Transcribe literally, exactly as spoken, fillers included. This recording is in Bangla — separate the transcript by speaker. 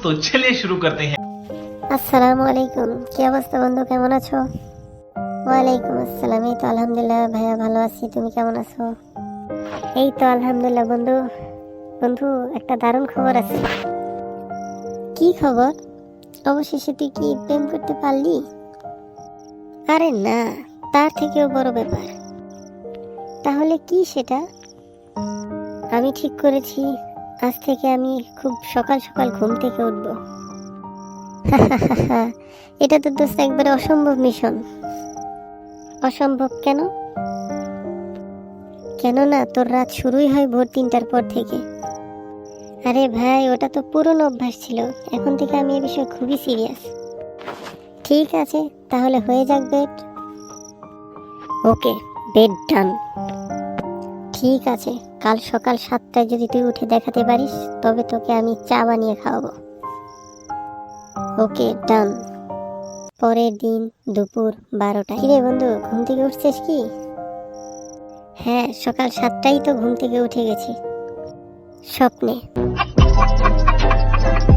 Speaker 1: तो चलिए शुरू करते हैं।
Speaker 2: আসসালামু আলাইকুম। কি অবস্থা বন্ধু, কেমন আছো? ওয়ালাইকুম আসসালাম। এই তো আলহামদুলিল্লাহ ভাইয়া ভালো আছি, তুমি কেমন আছো? এই তো আলহামদুলিল্লাহ বন্ধু। বন্ধু একটা দারুণ খবর আছে। কি খবর? অবশেষে তুই কি প্রেম করতে পারলি? আরে না, তার থেকেও বড় ব্যাপার। তাহলে কি সেটা? আমি ঠিক করেছি আজ থেকে আমি খুব সকাল সকাল ঘুম থেকে উঠবো। এটা তো দোস্ত একবারে অসম্ভব মিশন। অসম্ভব কেন? কেননা তোর রাত শুরুই হয় ভোর তিনটার পর থেকে। আরে ভাই, ওটা তো পুরনো অভ্যাস ছিল, এখন থেকে আমি এ বিষয়ে খুবই সিরিয়াস। ঠিক আছে, তাহলে হয়ে যাক বেড। ওকে, বেড ডান। ঠিক আছে, কাল সকাল সাতটায় যদি তুই উঠে দেখাতে পারিস তবে তোকে আমি চা বানিয়ে খাওয়াবো। ওকে ডান। পরের দিন দুপুর বারোটা। কিরে বন্ধু, ঘুম থেকে উঠছিস কি? হ্যাঁ, সকাল সাতটাই তো ঘুম থেকে উঠে গেছি, স্বপ্নে।